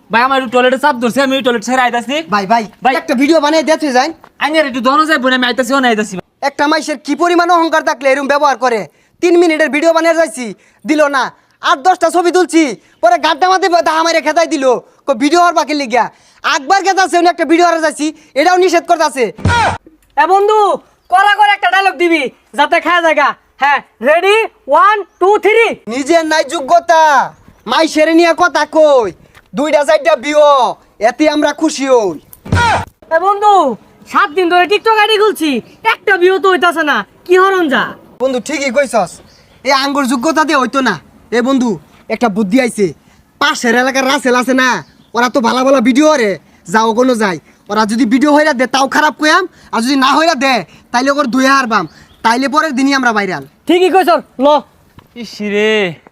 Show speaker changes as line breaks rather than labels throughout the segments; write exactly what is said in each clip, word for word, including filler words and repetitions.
ভাই আমার একটু টয়লেটে চাপ ধরছে, আমি টয়লেট ছেড়ে আইতাছি।
ভাই ভাই
ভাই।
একটা ভিডিও বানিয়ে দিতে যাই।
আইনের একটু দহন যায় বোন, আমি আইতাছি ও না আইতাছি।
একটা মাইসের কি পরিমাণ অহংকার থাকলে এরকম ব্যবহার করে। তিন মিনিটের ভিডিও বানিয়ে যাইছি, দিল না। আট দশটা ছবি তুলছি, পরে গাড্ডা মাতে আমারে খেতাই দিল ভিডিও হওয়ার বাকি লিগা। আকবার খেতাছে উনি একটা ভিডিও হারা যাচ্ছি, এটাও নিষেধ করতেছে।
এ বন্ধু করা করে একটা ডায়লগ দিবি যাতে খায় জায়গা। হ্যাঁ রেডি ওয়ান টু থ্রি।
নিজের নাই যোগ্যতা, মাইসের নিয়ে কথা কই। দুইটা চারটা বিও, এতে আমরা খুশি হই।
এ বন্ধু সাত দিন ধরে টিকটক আইডি খুলছি, একটা ভিউ তো হইতাছে না, কি হরণ যা।
বন্ধু ঠিকই কইছস, এই আঙ্গুর যোগ্যতা দিয়ে হইতো না। এ বন্ধু একটা বুদ্ধি আইছে, পাশের এলাকার রাসেল আছে না, ওরা তো ভালো ভালো ভিডিও রে, যাও কোনো যায়। ওরা যদি ভিডিও হইরা দে তাও খারাপ কইয়াম, আর যদি না হইরা দে তাইলে ওর দুই হারবাম, তাইলে পরের দিনই আমরা ভাইরাল।
ঠিকই কইছ ল।
ইস রে,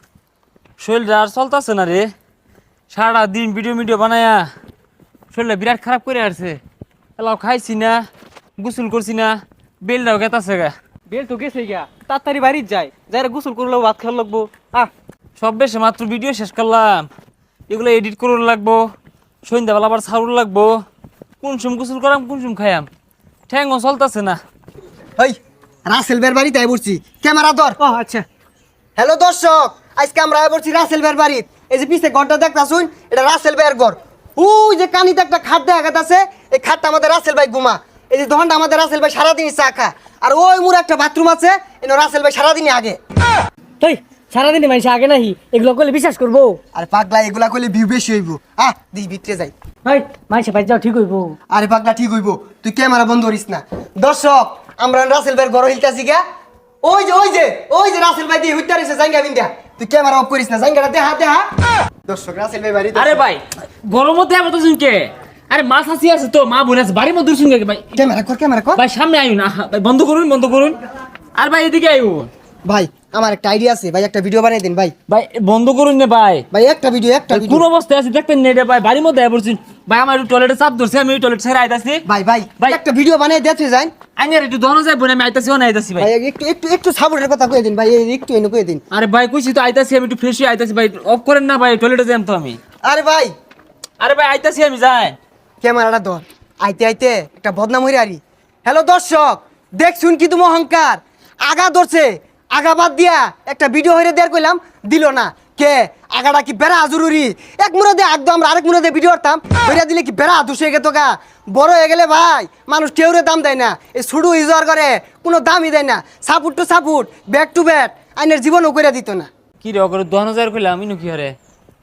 শরীরটা আর চলতেছে না রে। সারা দিন ভিডিও ভিডিও বানায়া শরীরটা বিরাট খারাপ করে আসছে। এলাও খাইছি না, গোসল করছি না, বেলটাও গেতাছে গা।
বেল তো গেছে গিয়া, তাড়াতাড়ি বাড়ি যায়, যাই গোসল করলেও ভাত খাওয়া লাগবো। আহ
সব বেশি মাত্র ভিডিও শেষ করলাম, এগুলো এডিট করুন লাগবো, সন্ধ্যাবেলা আবার ছাড়ুন লাগবো। কোন সুম গোসল করাম, কোন সুম খাইয়াম, ঠ্যাংও চলতেছে না।
ওই রাসেল বের বাড়িতে আই পড়ছি, ক্যামেরা ধর।
ও আচ্ছা।
হ্যালো দর্শক, আজকে আমরা আই পড়ছি রাসেল বের বাড়িতে। এই যে পিছে ঘরটা দেখতাছুন, এটা রাসেল বের ঘর। ওই যে কানিতে একটা খাট দেখা আছে, এই খাটটা আমাদের রাসেল ভাই ঘুমা। এই যে দহনটা আমাদের রাসেল ভাই সারাদিনই চা খা। আর ওই মুর একটা বাথরুম আছে, এনে রাসেল ভাই সারাদিনই আগে।
তুই সারাদিনই মানুষ আগে নাহি, এগুলো করলে বিশ্বাস করবো?
আরে পাগলা, এগুলা কইলে ভিউ বেশি হইব। আহ দি ভিতরে যাই।
ভাই মানুষে ভাই যাও ঠিক হইবো।
আরে পাগলা ঠিক হইব, তুই ক্যামেরা বন্ধ করিস না। দর্শক আমরা রাসেল ভাইয়ের ঘর হিলতাছি গা। ওই যে ওই যে ওই যে রাসেল ভাই দিয়ে হইতা রইছে জাঙ্গা বিন্দা। তুই ক্যামেরা অফ করিস না, জাঙ্গাটা দেহা দেহা। দর্শক রাসেল ভাই বাড়ি।
আরে ভাই গরম মধ্যে আবার তো শুনকে, আরে মাছ আসি আছে তো, মা বোন আছে বাড়ির মধ্যে শুনকে ভাই।
ক্যামেরা কর, ক্যামেরা কর।
ভাই সামনে আইন না ভাই, বন্ধ করুন বন্ধ করুন। আর ভাই এদিকে আইও
ভাই আমার একটা আইডিয়া আছে ভাই, একটা ভিডিও বানিয়ে দিন ভাই।
ভাই, বন্ধ করুন না ভাই।
ভাই একটা ভিডিও, একটা
কোন
ভিডিও।
অবস্থায় আছে দেখতেন না ভাই, বাড়ির মধ্যে আই পড়ছেন ভাই। আমার একটু টয়লেটে চাপ ধরছে, আমি টয়লেট ছেড়ে আইতাছি।
ভাই ভাই
ভাই।
একটা ভিডিও বানিয়ে দিতে যাই।
আইনের একটু দহন যায় বোন, আমি আইতাছি ও না আইতাছি ভাই।
ভাই একটু একটু একটু সাপোর্টের কথা কয়ে দিন ভাই, এই একটু এনে কয়ে দিন।
আরে ভাই কইছি তো আইতাছি, আমি একটু ফ্রেশ হয়ে আইতাছি ভাই। অফ করেন না ভাই, টয়লেটে যাই তো আমি।
আরে ভাই
আরে ভাই আইতাছি আমি, যাই।
ক্যামেরাটা ধর। আইতে আইতে একটা বদনাম হইরে আরি। হ্যালো দর্শক, দেখছুন কি তুমি অহংকার, আগা ধরছে, আগা বাদ দিয়া একটা ভিডিও হইরে দেয়ার কইলাম, দিল না। কে আগাটা কি বেড়া জরুরি? এক মুড়ে দিয়ে একদম আমরা আরেক মুড়ে দিয়ে ভিডিও করতাম, হইরা দিলে কি বেড়া দুষে গেত গা। বড় হয়ে গেলে ভাই মানুষ কেউরে দাম দেয় না, এই ছুডু ইউজার করে কোনো দামই দেয় না। Support to support, back to back, আইনের জীবনও করে দিত না।
কি রে অগর দহন যায় কইলাম, ইনু কি হরে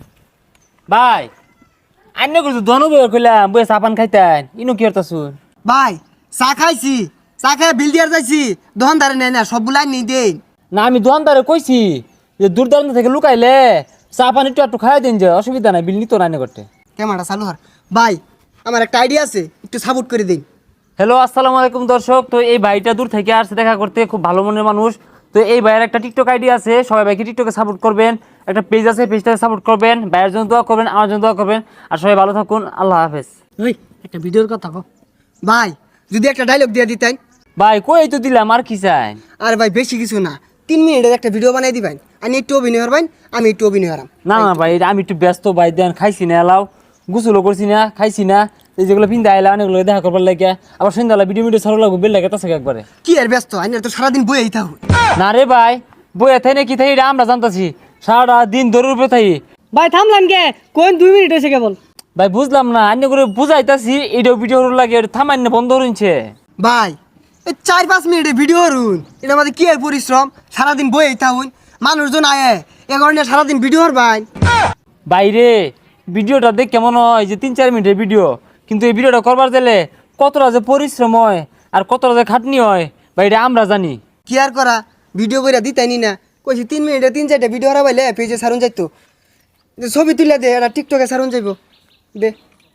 ভাই? আইনে কইছো দহন বই কইলাম, বই সাপান খাইতেন, ইনু কি হরতাছুন?
ভাই চা খাইছি, চা খাই বিল দিয়ার যাইছি, দোকানদারে নেয় না, সবগুলা নেই দেন।
না আমি দোকানদারে কইছি যে দূর দূরান্ত থেকে লুকাইলে চা পানি একটু একটু খাই দিন, যে অসুবিধা নাই, বিল নিত রান্না করতে।
ক্যামেরাটা চালু হর। ভাই আমার একটা আইডিয়া আছে, একটু সাপোর্ট করে দিন।
হ্যালো আসসালামু আলাইকুম দর্শক। তো এই ভাইটা দূর থেকে আসছে দেখা করতে, খুব ভালো মনের মানুষ। তো এই ভাইয়ের একটা টিকটক আইডি আছে, সবাই ভাইকে টিকটকে সাপোর্ট করবেন। একটা পেজ আছে, পেজটাকে সাপোর্ট করবেন। ভাইয়ের জন্য দোয়া করবেন, আমার জন্য দোয়া করবেন। আর সবাই ভালো থাকুন, আল্লাহ হাফেজ।
ওই একটা ভিডিওর কথা কও।
ভাই যদি একটা ডায়লগ দিয়ে দিতেন।
ভাই কই তো দিলাম, আর কি চাই?
আরে ভাই বেশি কিছু না, তিন মিনিটের একটা ভিডিও বানাই দিবেন। আমি একটু অভিনয় হরবেন, আমি একটু অভিনয় হরাম।
না না ভাই, আমি একটু ব্যস্ত ভাই, দেন খাইছি না, এলাও গোসলও করছি না, খাইছি না, এই যেগুলো পিন্দা আইলাম অনেকগুলো দেখা করবার লাগে। আবার সন্ধ্যাবেলা ভিডিও ভিডিও ছাড়ো লাগবে, বেল লাগে তাছে একবারে।
কি আর ব্যস্ত, আমি তো সারাদিন বইয়েই থাকুন।
না রে ভাই, বইয়া থাই না কি থাই এটা আমরা জানতাছি, সারাটা দিন ধরে রূপে থাই।
ভাই থামলাম কে, কোন দুই মিনিট এসে কেবল।
ভাই বুঝলাম না, অন্য করে বুঝাইতাছি, এইটাও ভিডিও লাগে থামাই না, বন্ধ হচ্ছে।
ভাই এই চার পাঁচ মিনিটের ভিডিও হরুন, এটা আমাদের কি আর পরিশ্রম, সারাদিন বইয়েই থাকুন। মানুষজন আয়ে এ কারণে সারাদিন ভিডিও হরবেন।
বাইরে ভিডিওটা দেখ কেমন হয়, যে তিন চার মিনিটের ভিডিও, কিন্তু এই ভিডিওটা করবার গেলে কতটা যে পরিশ্রম হয় আর কতটা যে খাটনি হয় ভাই, এটা আমরা জানি।
কি আর করা, ভিডিও করে দিতাইনি না, কইছি তিন মিনিটে তিন চারটা ভিডিও হারাবাইলে পেজে সারুন যাইতো। যে ছবি তুলে দে, এটা টিকটকে সারুন যাইব দে।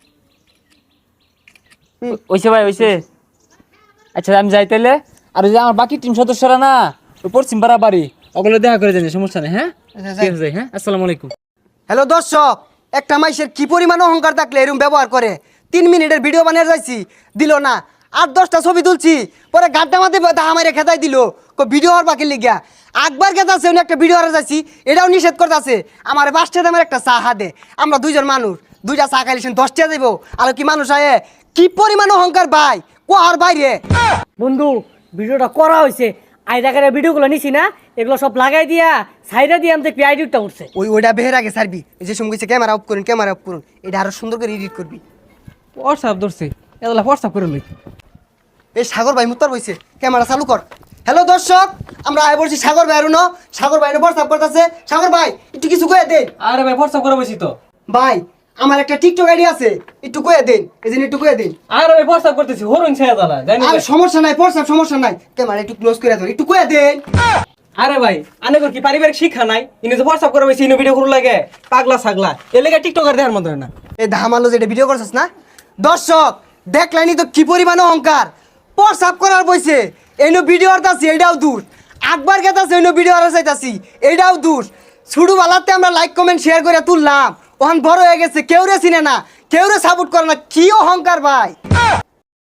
ওইসে ভাই ওইসে, আচ্ছা আমি যাই তাইলে। আর ওই যে আমার বাকি টিম সদস্যরা না, ওই পশ্চিম পাড়া বাড়ি, ওগুলো দেখা করে জানি, সমস্যা নেই। হ্যাঁ
আচ্ছা,
ঠিক আছে, হ্যাঁ আসসালামু আলাইকুম।
হ্যালো দর্শক, একটা মাইসের কি পরিমাণ অহংকার থাকলে এরকম ব্যবহার করে। তিন মিনিটের ভিডিও বানিয়ে যাইছি, দিল না। আট দশটা ছবি তুলছি, পরে গাড্ডা মাতে আমারে খেতাই দিল ভিডিও হওয়ার বাকি লিগা। আকবার খেতাছে উনি একটা ভিডিও হারা যাচ্ছি, এটাও নিষেধ করতেছে। আমার বাসটা আমার একটা চা দে, আমরা দুইজন মানুষ দুইটা চা খাইলেছেন দশটা যাইব আর কি মানুষ আয়ে কি পরিমাণ অহংকার ভাই কোয়ার বাইরে
বন্ধু ভিডিওটা করা হয়েছে আইডাকারের ভিডিওগুলো নিছি না এগুলো সব লাগাই দিয়া সাইডে দিয়ে আমি দেখবি আইডিটা উঠছে
ওই ওইটা বেহের আগে সারবি এই যে সঙ্গে ক্যামেরা অফ করুন ক্যামেরা অফ করুন এটা আরো সুন্দর করে এডিট করবি
হোয়াটসঅ্যাপ ধরছে এগুলা হোয়াটসঅ্যাপ করে লই
এই সাগর ভাই মুত্তার বইছে ক্যামেরা চালু কর হ্যালো দর্শক আমরা আয় বলছি সাগর ভাই আরুনো সাগর ভাই হোয়াটসঅ্যাপ করতেছে সাগর ভাই একটু কিছু কয়ে দেন
আরে ভাই হোয়াটসঅ্যাপ করে বসি তো
ভাই আমার একটা টিকটক আইডি আছে একটু কয়ে দেন এই জন্য একটু কয়ে দেন
আরে ভাই হোয়াটসঅ্যাপ করতেছি হরুন ছেড়ে দালা জানি
আর সমস্যা নাই হোয়াটসঅ্যাপ সমস্যা নাই ক্যামেরা একটু ক্লোজ করে দাও একটু কয়ে দেন
আরে ভাই আনে কি পারিবারিক শিক্ষা নাই ইনি তো হোয়াটসঅ্যাপ করে বসি ইনি ভিডিও করু লাগে পাগলা ছাগলা এ লেগে টিকটকার দেখার মতো না
এই ধামালো যেটা ভিডিও করছিস না দর্শক দেখলানি তো কি পরিমাণ অহংকার হোয়াটসঅ্যাপ করার বইছে এইনো ভিডিও আরতাছি এইটাও দূর আকবার গেতাছে এইনো ভিডিও আর চাইতাছি এইটাও দূর ছুডু বালাতে আমরা লাইক কমেন্ট শেয়ার করে তুললাম ওখান বড় হয়ে গেছে কেউ রে চিনে না কেউ রে সাপোর্ট করে না কি অহংকার ভাই